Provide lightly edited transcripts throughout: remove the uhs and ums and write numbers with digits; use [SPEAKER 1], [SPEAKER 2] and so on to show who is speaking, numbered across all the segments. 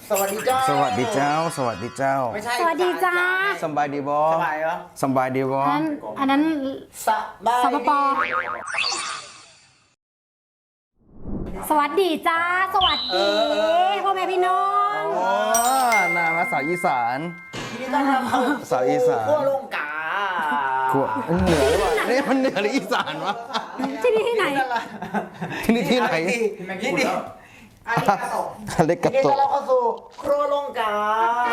[SPEAKER 1] สวัสดีเจ้า
[SPEAKER 2] สวัสดีเจ้า สวัสดีเจ้า
[SPEAKER 1] ไม่ใช่
[SPEAKER 3] สวัสดีจ้า
[SPEAKER 2] สบายดีบอ
[SPEAKER 1] สบายเหรอ
[SPEAKER 2] สบายดีบอ
[SPEAKER 3] อันนั้น
[SPEAKER 1] สบาย
[SPEAKER 3] สปป. สวัสดีจ้า สวัสดีพ่อแม่พี่น้อง
[SPEAKER 2] โอ้นามาสาวอีสาน
[SPEAKER 1] ทีนี้ต้องเข้า
[SPEAKER 2] สาวอีสาน
[SPEAKER 1] ขั้วโลงกา
[SPEAKER 2] ขวเหนือหรือเปล่านี่มันเหนือหรืออีสานวะ
[SPEAKER 3] ที่นี่ที่ไหน
[SPEAKER 2] ที่นี่ที่ไหน
[SPEAKER 1] ที่นี่อันนี้กระตก
[SPEAKER 2] อเล็ก
[SPEAKER 1] ที
[SPEAKER 2] กระ
[SPEAKER 1] นี้
[SPEAKER 2] ต
[SPEAKER 1] ต้อน
[SPEAKER 2] ก
[SPEAKER 1] รับเข้าสู่ครัวโลงกา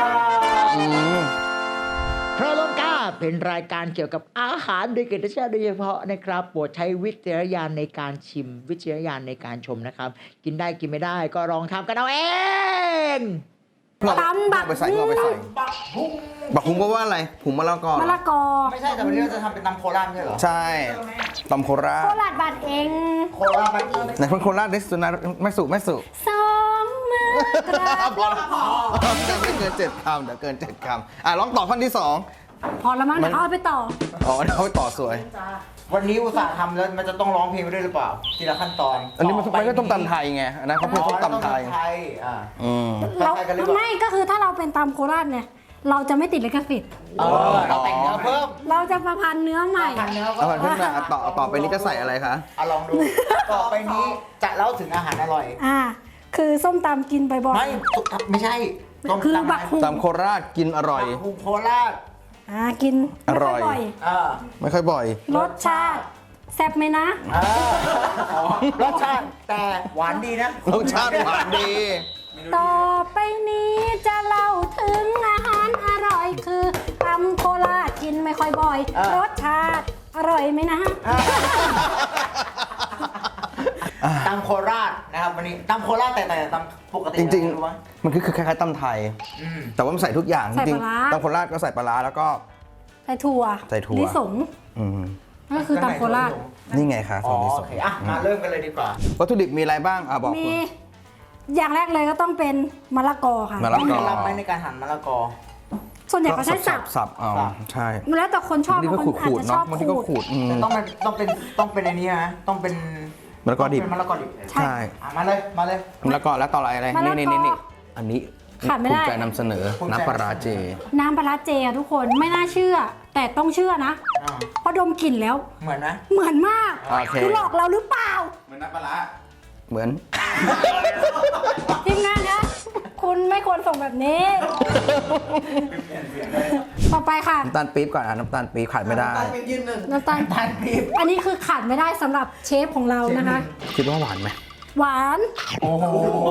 [SPEAKER 4] ครัวโลกาเป็นรายการเกี่ยวกับอาหารโดยเกตชาติโดยเฉพาะนะครับโปรดใช้วิจารณญาณในการชิมวิจารณญาณในการชมนะครับ กินได้กินไม่ได้ก็ลองทำกันเอาเอง
[SPEAKER 3] ตำบัก
[SPEAKER 2] ไปใส่งอไปใส่
[SPEAKER 1] บักหุ่ง
[SPEAKER 2] บักหุงแปลว่าอะไรหุงมะละกอเหร
[SPEAKER 3] มะ
[SPEAKER 2] อ
[SPEAKER 3] ละกอ
[SPEAKER 1] ไม่ใช่แต่วันนี้เราจะทำเป็นตำโคราชใช่เหรอ
[SPEAKER 2] ใช่ตำโครา
[SPEAKER 3] โค
[SPEAKER 2] ช
[SPEAKER 3] ราชบัตรเอง
[SPEAKER 1] โคราชบักอี
[SPEAKER 2] ไหนคนโคราชดิสุนัขแม่สุแม่สุ
[SPEAKER 3] สองมือกราบ
[SPEAKER 2] พอแล้วไม่เกิน7 คำเดี๋ยวเกิน7 คำลองตอบข้อที่2
[SPEAKER 3] พอแล้วมั้งเดี๋ยวเอาไปต่อ
[SPEAKER 2] อ๋อเดี๋ยวเขาไปต่อสวย
[SPEAKER 1] วันนี้อุตส่าห์ทำแล้วมันจะต้องร้องเพลงไปด้วยหรือเปล่าทีละขั้นตอน
[SPEAKER 2] อันนี้มันก็ต้มตำไทยไงอันนั้นเขาเป็นต้มตำไทย
[SPEAKER 1] อ่า
[SPEAKER 2] อืม
[SPEAKER 3] เรา
[SPEAKER 1] ใครกันหรือเปล่า
[SPEAKER 3] ไม่ก็คือถ้าเราเป็นตำโคราชเนี่ย เราจะไม่ติดลิขสิทธิ์
[SPEAKER 1] เราแต่งเนื้อเพิ่ม
[SPEAKER 3] เราจะประพันธ์เนื้อใหม่
[SPEAKER 1] พันเนื้อ
[SPEAKER 2] เอาขึ้นมาต่อไปนี้จะใส่อะไรคะ
[SPEAKER 1] ลองดู ต่อไปนี้จะเล่าถึงอาหารอร่อย
[SPEAKER 3] คือส้มตำกินบ่อย
[SPEAKER 1] ไม่ใช่ต้ม
[SPEAKER 3] คือ
[SPEAKER 1] ตำ
[SPEAKER 3] บักหุ่ง
[SPEAKER 2] ตำโคราชกินอร่อย
[SPEAKER 1] บักหุ่งโคราช
[SPEAKER 3] กินไม่ค่
[SPEAKER 2] อร่อย
[SPEAKER 3] บ่อย
[SPEAKER 1] อ่า
[SPEAKER 2] ไม่ค่อยบ่อย
[SPEAKER 3] รสชาติแซ่บไหมนะ
[SPEAKER 1] รสชาติแต่หวานดีนะ
[SPEAKER 2] รสชาติหวานดี
[SPEAKER 3] ต่อไปนี้จะเล่าถึงอาหารอร่อยคือตำโคราชกินไม่ค่อยบ่อย รสชาติอร่อยไหมนะ
[SPEAKER 1] ตำโคราชนะครับวันนี้ตำโคราชแต่ตำปกติ
[SPEAKER 2] จริง
[SPEAKER 1] รู้ไหม
[SPEAKER 2] ๆ มันคือคล้ายๆตำไทย
[SPEAKER 1] อืม
[SPEAKER 2] แต่ว่ามันใส่ทุกอย่างจ
[SPEAKER 3] ใส่
[SPEAKER 2] ริง
[SPEAKER 3] ปลาร้า
[SPEAKER 2] ๆตำโคราชก็ใส่ปลาร้าแล้วก็
[SPEAKER 3] ใส่ถั่ว
[SPEAKER 2] ใส่ถั่ว
[SPEAKER 3] ลิสง
[SPEAKER 2] อืม
[SPEAKER 3] ก็คือตำโคราช
[SPEAKER 2] นี่ไงคะ
[SPEAKER 1] อ๋
[SPEAKER 2] ซ
[SPEAKER 1] อ
[SPEAKER 2] อสลิส
[SPEAKER 1] โอง เคมาเริ่มกันเลยดีกว่า
[SPEAKER 2] วัตถุดิบมีอะไรบ้างบอก
[SPEAKER 3] มี
[SPEAKER 2] คุณ
[SPEAKER 3] อย่างแรกเลยก็ต้องเป็นมะละกอค่ะ
[SPEAKER 2] มะละกอ
[SPEAKER 1] รับไหมในการหั่นมะละกอ
[SPEAKER 3] ส่วนใหญ่เขาใช้สับ
[SPEAKER 2] สับเอา
[SPEAKER 1] สับ
[SPEAKER 2] ใช่
[SPEAKER 3] แล้วแต่คนชอบบ
[SPEAKER 2] างทีก็
[SPEAKER 3] บางคนอาจ
[SPEAKER 2] ขูด
[SPEAKER 3] จะ
[SPEAKER 2] ๆ
[SPEAKER 3] ช
[SPEAKER 2] เนาะ
[SPEAKER 3] อบบ
[SPEAKER 2] างทีก็
[SPEAKER 3] ขู
[SPEAKER 2] ขู
[SPEAKER 3] ด
[SPEAKER 2] ด
[SPEAKER 1] แต่ต้องเป็นอันนี้นะต้องเป็น
[SPEAKER 2] มะละกอดิบ
[SPEAKER 1] เป็นมะละกอดิบ
[SPEAKER 3] ใช่
[SPEAKER 2] ใช่
[SPEAKER 1] มาเลย
[SPEAKER 2] มะละกอแล้วต่ออะไร
[SPEAKER 3] มะละกอ
[SPEAKER 2] นี่อันนี้
[SPEAKER 3] ขาดไม่ได้
[SPEAKER 2] ภูมิใจนำเสนอน้ำปลาร้าเจ
[SPEAKER 3] น้ำปลาร้าเจอะทุกคนไม่น่าเชื่อ แต่ต้องเชื่อนะ
[SPEAKER 1] อ่า
[SPEAKER 3] เพราะดมกลิ่นแล้ว
[SPEAKER 1] เหมือนนะ
[SPEAKER 3] เหมือนมาก
[SPEAKER 2] โอเค
[SPEAKER 3] คือหลอกเราหรือเปล่า
[SPEAKER 2] เหมือนน้ำปลาร้าเหมือน
[SPEAKER 3] ทีมงานนะคุณไม่ควรส่งแบบนี้ ต่อไปค่ะ
[SPEAKER 2] น้ำตาลปี๊บก่อนน้ำตาลปี๊บขาดไม่ได้
[SPEAKER 3] น้ำตาล
[SPEAKER 1] ทานปีบ
[SPEAKER 3] อันนี้คือขาดไม่ได้สำหรับเชฟของเรานะคะ
[SPEAKER 2] คิดว่าหวานไหม
[SPEAKER 3] หวาน
[SPEAKER 1] โอ้โห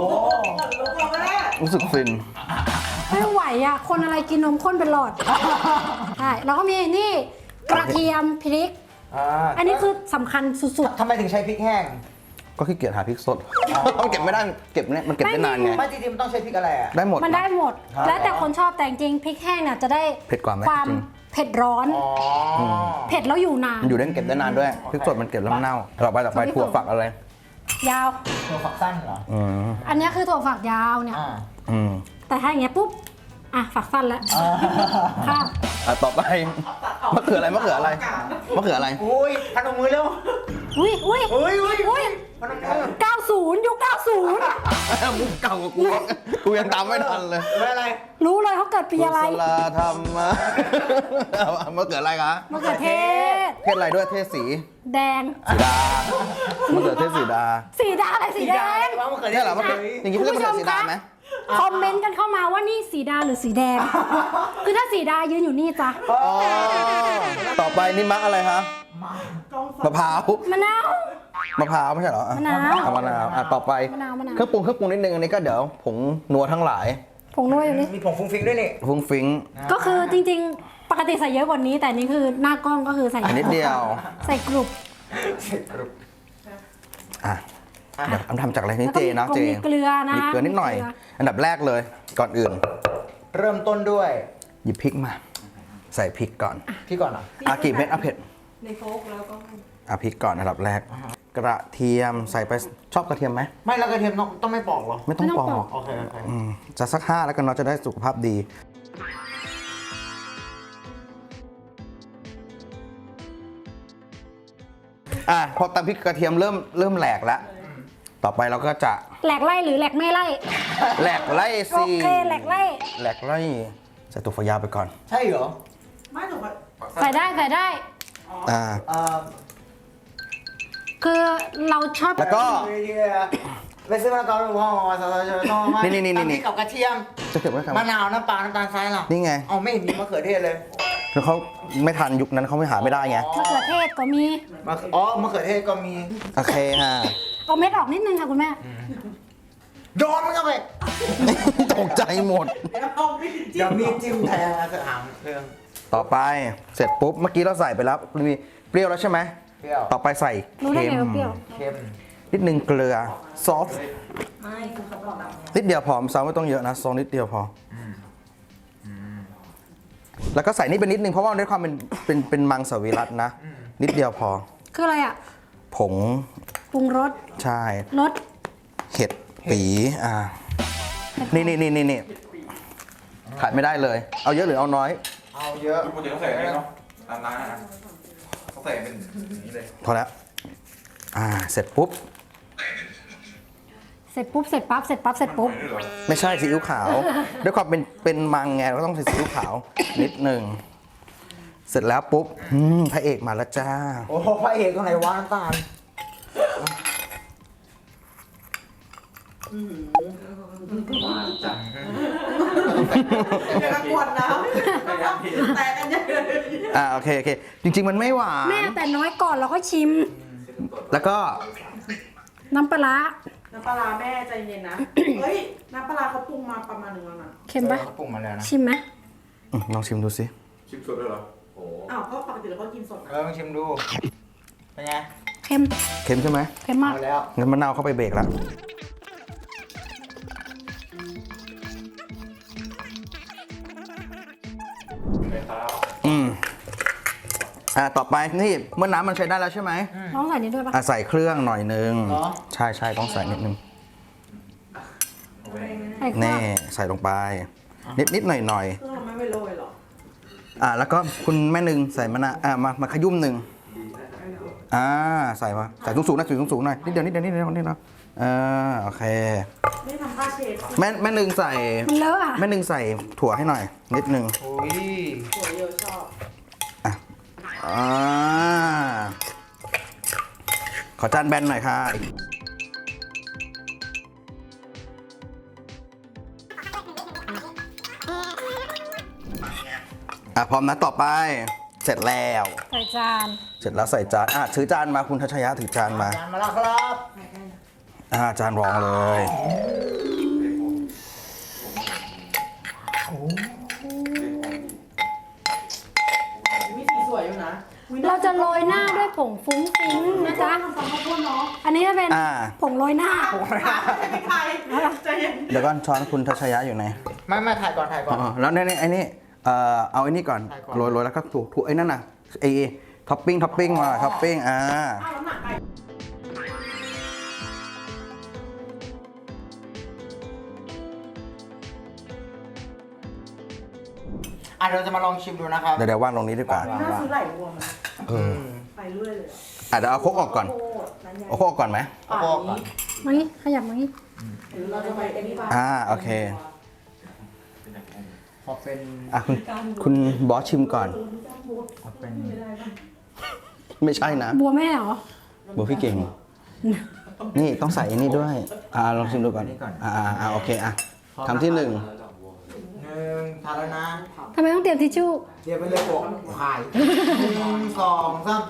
[SPEAKER 2] รู้สึกฟิน
[SPEAKER 3] ไม่ไหวอ่ะ คนอะไรกินนมข้นเป็นหลอด ใช่ แล้วก็มีนี่กระเทียมพริก อันนี้คือสำคัญสุด
[SPEAKER 1] ทำไมถึงใช้พริกแห้ง
[SPEAKER 2] ก็ขี้เกียจหาพริกสดมันเก็บไม่ได้เก็บเนี่ยมันเก็บได้นานไง
[SPEAKER 1] ไม่จริงๆมันต้องใช้พริกอะไรอ่ะ
[SPEAKER 2] ได้หมด
[SPEAKER 3] ๆ มันได้หมด
[SPEAKER 1] ครับ
[SPEAKER 3] แล้วแต่คนชอบแต่จริงๆพริกแห้งเนี่ยจะได้
[SPEAKER 2] เผ็ดกว่าไหม
[SPEAKER 3] ความ
[SPEAKER 2] จริง
[SPEAKER 3] เผ็ดร้อน
[SPEAKER 1] อ๋อ
[SPEAKER 3] เผ็ดแล้วอยู่นาน
[SPEAKER 2] มันอยู่ได้เก็บได้นานด้วยพริกสดมันเก็บแล้วมันเน่าต่อไปถั่วฝักอะไร
[SPEAKER 3] ยาว
[SPEAKER 1] ตัวฝักสั้นเหรอ
[SPEAKER 2] อืม
[SPEAKER 3] อันนี้คือถั่วฝักยาวเนี่ย
[SPEAKER 1] อ่า
[SPEAKER 2] อืม
[SPEAKER 3] แต่ถ้าอย่างเงี้ยปุ๊บ ฝักสั้นแล้วข้าม
[SPEAKER 2] ต่อไปมะเขืออะไรมะเขืออะไรมะเขืออะไร
[SPEAKER 1] อุ้ยพนมมือเร็ว
[SPEAKER 3] อุ้ย
[SPEAKER 1] อุ้ยพนมมือ
[SPEAKER 3] 90 ยุค
[SPEAKER 2] มุกเก่ากว่ากูยังตามไม่ทันเลย
[SPEAKER 1] ไม่อะไร
[SPEAKER 3] 90 รู้เลยเขาเกิดปีอะไร
[SPEAKER 2] กุศลธรรมะมะเขืออะไรคะ
[SPEAKER 3] มะเขือเทศ
[SPEAKER 2] เทศอะไรด้วยเทศสี
[SPEAKER 3] แดง
[SPEAKER 2] สีดามะเขือเทศสีดา
[SPEAKER 3] สีดาอะไรสีแดง
[SPEAKER 1] ว่ามะเขือ
[SPEAKER 2] เนี่ยเหรอมะเขืออย่างนี้เขาเรียกมะเขือสีดาไหม
[SPEAKER 3] คอมเมนต์กันเข้ามาว่านี่สีดาหรือสีแดง คือถ้าสีดายืนอยู่นี่จ้ะ
[SPEAKER 2] อ๋อต่อไปนี่มะอะไรคะมะพร้าว
[SPEAKER 3] มะนาว
[SPEAKER 2] มะพร้าวไม่ใช่เหรอ
[SPEAKER 3] มะนาว
[SPEAKER 2] มะนาวต่อไป
[SPEAKER 3] มะนาว
[SPEAKER 2] เครื่องปรุงนิดนึงอันนี้ก็เดี๋ยวผงนัวทั้งหลาย
[SPEAKER 3] ผงนัวอยู่นี่
[SPEAKER 1] มีผงฟุ้งฟิ้งด้วยนี่
[SPEAKER 2] ฟุ้งฟิ้ง
[SPEAKER 3] ก็คือจริงๆ ปกติใส่เยอะกว่านี้ แต่นี่คือหน้ากล้องก็คือใส่
[SPEAKER 2] อันนิดเดียว
[SPEAKER 3] ใส่กรุบ
[SPEAKER 2] อ่ะเดี๋ยวทำจากอะไรนี่
[SPEAKER 3] แล้ว
[SPEAKER 2] เจ
[SPEAKER 3] ก็
[SPEAKER 2] นะเจ
[SPEAKER 3] มีเกลือนะ
[SPEAKER 2] มีเกลือนิดหน่อย อันดับแรกเลยก่อนอื่น
[SPEAKER 1] เริ่มต้นด้วย
[SPEAKER 2] หยิบพริกมา ใส่พริกก่อน
[SPEAKER 1] พี่ก่อนเหรอ
[SPEAKER 2] กี่เม็ดเผ็ดในโฟกแล้วก็พริกก่อนอันดับแรก กระเทียมใส่ไปชอบกระเทียมไหม
[SPEAKER 1] ไม่แล้วกระเทียมต้องไม่ปอกเหรอ
[SPEAKER 2] ไม่ต้องปอก
[SPEAKER 1] โอเค
[SPEAKER 2] จะสัก5แล้วกันเนาะจะได้สุขภาพดีพอตำพริกกระเทียมเริ่มแหลกแล้วต่อไปเราก็จะ
[SPEAKER 3] แหลกไล่หรือแหลกไม่ไล่
[SPEAKER 2] แหลกไล่
[SPEAKER 3] โอ
[SPEAKER 2] สิ
[SPEAKER 3] เคแหลกไล่
[SPEAKER 2] แหลกไล่ใส่ตัวฝักยาวไปก่อน
[SPEAKER 1] ใช่เหรอ
[SPEAKER 5] ไม่ถูกป่ะ
[SPEAKER 3] ใส่ได้ใส่ได้
[SPEAKER 2] อ่า
[SPEAKER 3] คือเราชอบ
[SPEAKER 2] แล้วก็
[SPEAKER 1] ไปซื้อมะละกอหรือว่านี่
[SPEAKER 2] นี่
[SPEAKER 1] ตำพริกกับกระเทียม
[SPEAKER 2] จะเก็บไว้ทำไม
[SPEAKER 1] มะนาวน้ำปลาน้ำตาลทรายล่ะ
[SPEAKER 2] นี่ไง
[SPEAKER 1] เอาไม่เห็นมีมะเขือเทศเลย
[SPEAKER 2] คือเขาไม่ทันยุคนั้นเขาไม่หาไม่ได้ไง
[SPEAKER 3] มะเขือเทศก็มี
[SPEAKER 1] มะเขือเทศก็มี
[SPEAKER 2] โอเคฮะ
[SPEAKER 3] เอาเม็ดออกนิดนึงค่ะคุณแม่
[SPEAKER 1] โดนมันเข้าไป
[SPEAKER 2] ตกใจหมด
[SPEAKER 1] เดี๋ยวมีจิ้มแทนนะเสหางเครื่อง
[SPEAKER 2] ต่อไปเสร็จปุ๊บเมื่อกี้เราใส่ไปแล้วมีเปรี้ยวแล้วใช่ไหม
[SPEAKER 1] เปรี้ยว
[SPEAKER 2] ต่อไปใส่
[SPEAKER 3] รู้ได้
[SPEAKER 2] เค็
[SPEAKER 3] ไง
[SPEAKER 2] ม
[SPEAKER 3] ว่าเปรี้ยว
[SPEAKER 1] เค็ม
[SPEAKER 2] นิดนึงเกลือซอส
[SPEAKER 5] ไม่คือเขาบอกแบบ
[SPEAKER 2] นิดเดียวพอซอสไม่ต้องเยอะนะซอสนิดเดียวพออแล้วก็ใส่นี่เป็นนิดนึงเพราะว่าด้วยความเป็นมังสวิรัตนะ นิดเดียวพอ
[SPEAKER 3] คืออะไรอ่ะ
[SPEAKER 2] ผง
[SPEAKER 3] ปรุงรส
[SPEAKER 2] ใช่
[SPEAKER 3] รส
[SPEAKER 2] เห็ดปีนี่ขาดไม่ได้เลย เอาเยอะหรือเอาน้อย
[SPEAKER 1] เอาเยอะ
[SPEAKER 6] ปกติต้องใส่อันนี้เนาะตามร้านนะเขาใส่เป็นอย่างนี้เลย
[SPEAKER 2] พอแล้วเสร็จปุ๊บ
[SPEAKER 3] เสร็จปุ๊บเสร็จปั๊บเสร็จปั๊บเสร็จปุ๊บ
[SPEAKER 6] นี่เหรอ
[SPEAKER 2] ไม่ใช่ซีอิ๊วขาว ด้วยความเป็นมังไงเราก็ต้องใส่ซีอิ๊วขาวนิดหนึ่งเสร็จแล้วปุ๊บพระเอกมาแล้วจ้า
[SPEAKER 1] โอ้โหพระเอกตรงไหนวะน้ำตาล
[SPEAKER 5] เดี๋ยวกวนนะแต่กันเยอะ
[SPEAKER 2] โอเคจริง ๆ มันไม่หวาน
[SPEAKER 3] แม่แต่น้อยก่อนเราก็ชิม
[SPEAKER 2] แล้วก็
[SPEAKER 3] น้ำปลาร้า
[SPEAKER 5] น้ำปลาร้าแม่ใจเย็นนะ เฮ้ย น้ำปลาร้าเขาปรุงมาประมาณหนึ่งแล้วนะ
[SPEAKER 3] เค็มปะ
[SPEAKER 1] เขาปรุงมาแล้วนะ
[SPEAKER 3] ชิมไหม
[SPEAKER 2] ลองชิมดูสิ
[SPEAKER 6] ชิมสดด้วยเหรอ โอ้
[SPEAKER 5] อ้าวก็ปกติเราก็กินสดนะ
[SPEAKER 1] ลองชิมดู เป็นไง
[SPEAKER 3] เค็ม
[SPEAKER 2] เค็มใช่ไหม
[SPEAKER 3] เค็มมาก
[SPEAKER 1] เอาแล้ว
[SPEAKER 2] งั้นมะนาวเข้าไปเบรกแล้วต่อไปนี่เมื่อน้ำมันใช้ได้แล้วใช่ไหม
[SPEAKER 3] น้องใส่นี้ด้วยปะ
[SPEAKER 2] ใส่เครื่องหน่อยนึง
[SPEAKER 1] เหรอ
[SPEAKER 2] ใช่ต้องใส่นิดนึง
[SPEAKER 3] ใส่เครื่อ
[SPEAKER 2] นี่
[SPEAKER 3] ง
[SPEAKER 2] ใส่ลงไป นิดหน่อย
[SPEAKER 5] เครื่องเราไม่ไปโรยหรอ
[SPEAKER 2] แล้วก็คุณแม่หนึ่งใส่มะนาวมาขยุ่มหนึ่งใส่มาใส่สูงๆนะสูงๆหน่อยนิดเดียวโอเค
[SPEAKER 5] ไม่ทำผ้าเช็ด
[SPEAKER 2] แม่หนึ่งใส่
[SPEAKER 3] มันเลอะอ่ะ
[SPEAKER 2] แม่หนึ่งใส่ถั่วให้หน่อย นิดนึง
[SPEAKER 1] โอ้ย
[SPEAKER 5] หัวเยอะชอบ
[SPEAKER 2] ขอจานแบนหน่อยค่ะพร้อมนะต่อไป เสร็จแล้ว
[SPEAKER 3] ใส่จาน
[SPEAKER 2] เสร็จแล้วใส่จานถือจานมาคุณทัชยะถือจานมา
[SPEAKER 1] จานมาแล้วครับ
[SPEAKER 2] จานรองเลย
[SPEAKER 5] วิธีสวยอยู่นะ
[SPEAKER 3] เราจะโรยหน้าด้วยผงฟุ้งฟิ้งนะจ๊ะ
[SPEAKER 5] ทำข้าวโพดเนาะ
[SPEAKER 3] อันนี้จะเป็นผงโรยหน้า
[SPEAKER 5] ไม่ใครใจเย็น
[SPEAKER 2] เดี๋ยวก่อนช้อนคุณทัชยะอยู่ไหน
[SPEAKER 1] ไม่ถ่ายก่อน
[SPEAKER 2] แล้วเนี่ยไอ้นี่เอาไอ้นี่ก่อน
[SPEAKER 1] ใส่ก่อน
[SPEAKER 2] โรยแล้วก็ถูไอ้นั่นน่ะไอ้ท็อปปิ้งมาท็อปปิ้ง
[SPEAKER 5] อ้าวน้ำหนักไป
[SPEAKER 1] เราจะมาลองชิมดูนะครับ
[SPEAKER 2] เดี๋ยววางลงนี้ดีกว่า
[SPEAKER 5] น่าซื้อไหลรวม
[SPEAKER 2] เ
[SPEAKER 5] ไปเรื่อยเลย
[SPEAKER 2] เดี๋ยวเอาโคกออกก่อน
[SPEAKER 5] โคตรนั้นใหญ่
[SPEAKER 2] เอาโคกออกก่อนไหม
[SPEAKER 5] ป่านนี้
[SPEAKER 3] มางี้ขยับมางี้
[SPEAKER 5] หรือเราจะไปเอ็นนี่บ้าง
[SPEAKER 2] โอเค
[SPEAKER 1] ขอเป็น
[SPEAKER 2] คุณบอสชิมก่อน
[SPEAKER 1] ขอเป็น
[SPEAKER 2] ไม่ใช่นะ
[SPEAKER 3] บัวแม่เหรอ
[SPEAKER 2] บัวพี่เก่ง นี่ต้องใส่อันนี้ด้วย ลองชิมดูก่อนโอเคคำที่ 1
[SPEAKER 1] 1ทานแล้วนะ
[SPEAKER 3] ทำไมต้องเตรียมทิชชู่
[SPEAKER 1] เดี๋ยวไปเลยโปะขาย1 2 3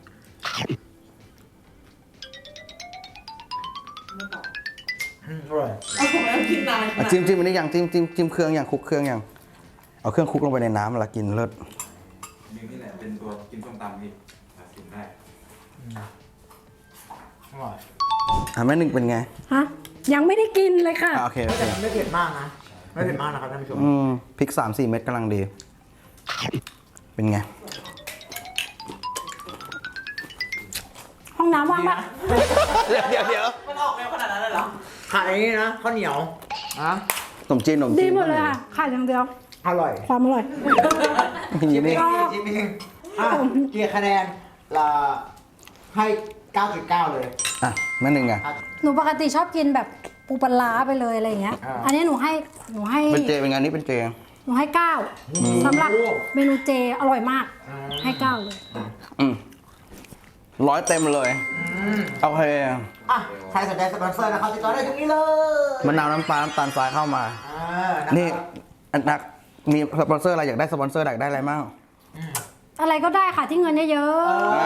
[SPEAKER 1] อร่อย
[SPEAKER 5] เอาผมแล้วกินนาน
[SPEAKER 2] จิ้มอันนี้อย่างจิ้มเครื่องอย่างคลุกเครื่องอย่างเอาเครื่องคลุกลงไปในน้ำแล้วกินเลิศ
[SPEAKER 6] นี่แหละเป็นตัวกินส้มตำนี่กินได้
[SPEAKER 1] อร่อย
[SPEAKER 2] แม่หนึ่งเป็นไง
[SPEAKER 3] ฮะ ยังไม่ได้กินเลยค่ะ
[SPEAKER 2] โอเค
[SPEAKER 1] แต่มันไม่เผ็ดมากนะ ไม่เผ็ดมากนะครับท่านผู้ชม
[SPEAKER 2] พริก 3-4 เม็ดกำลังดี เป็นไง
[SPEAKER 3] ห้องน้ำว่างปะ
[SPEAKER 2] เดี๋ยว
[SPEAKER 5] มันออกแนวขนาดนั้นเลยเหรอ
[SPEAKER 1] ขายนี้นะข้าวเหนียวนะ
[SPEAKER 2] ขนมจีน
[SPEAKER 3] ดีหมดเลยค่ะขาดอย่างเดียว
[SPEAKER 1] อร่อย
[SPEAKER 3] ความอร่อย
[SPEAKER 2] นี่
[SPEAKER 1] ชิมเองเกียร์คะแนนให้ 9.9 เลย
[SPEAKER 2] อ่ะแม่หนึ่งอ่ะ
[SPEAKER 3] หนูปกติชอบกินแบบปูปลาร้าไปเลยอะไรอย่างเงี้ย อันนี้หนูให้
[SPEAKER 2] เป็นเจเป็นไงานนี้เป็นเจ
[SPEAKER 3] หนูให้9สำหรับเมนูเจอร่อยมาก ให้9เลย
[SPEAKER 2] 100 เต็มเลยโอเค
[SPEAKER 1] อ่ะ ใครสนใจสปอนเซอร์นะครับติดต่อได้ตรงนี้เลย
[SPEAKER 2] มะนาวน้ำปลาน้ำตาลทรายเข้ามา นี่นักมีสปอนเซอร์อะไรอยากได้สปอนเซอร์อยากได้อะไรมั่ง
[SPEAKER 3] อะไรก็ได้ค่ะที่เงินเยอะ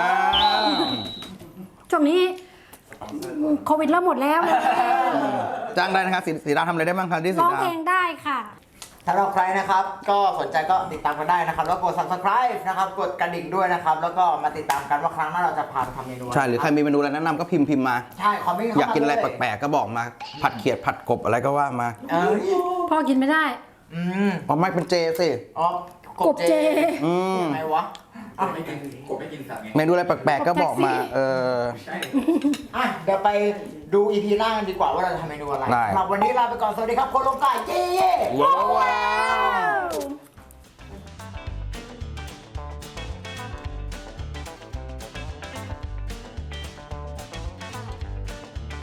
[SPEAKER 3] ๆช่วงนี้โควิดเริ่มหมดแล้ว
[SPEAKER 2] จ้างได้นะครับสีดาทำอะไรได้บ้างครับที่สี
[SPEAKER 3] ร้อง
[SPEAKER 2] ดา
[SPEAKER 3] เพลงได้ค่ะ
[SPEAKER 1] ถ้าเราใครนะครับ ก็สนใจก็ติดตามกันได้นะครับ แล้วกด subscribe นะครับ กดกระดิ่งด้วยนะครับ แล้วก็มาติดตามกันว่าครั้งหน้าเราจะพาไปทำเมนูะไ
[SPEAKER 2] ใช่หรือใครมีเมนูอะไรแนะนำก็พิมพ์มา
[SPEAKER 1] ใช่คอมเมนต์เข้ามา
[SPEAKER 2] อยากกินอะไร
[SPEAKER 1] เลย
[SPEAKER 2] แปลกๆก็บอกมา ผัดเขียดผัดกบอะไรก็ว่ามา
[SPEAKER 1] เอ้ย
[SPEAKER 3] พ่อกินไม่ได้
[SPEAKER 2] อ๋อไม่เป็นเจสิ
[SPEAKER 1] อ๋อก
[SPEAKER 3] บเจ
[SPEAKER 1] ยังไงวะอ่ะ
[SPEAKER 6] ไม่กินกบไม่กินสัตว์ไง
[SPEAKER 2] เมนูอะไรแปลกๆก็บอกมา
[SPEAKER 6] ใช่
[SPEAKER 1] อ่ะเดี๋ยวไปดู EP หน้ากันดีกว่าว่าเราจะทำเมนูอะไร
[SPEAKER 2] ได้
[SPEAKER 1] สำหรับวันนี้ลาไปก่อน สวัสดีครับโคโลกาเย้
[SPEAKER 2] ว้าว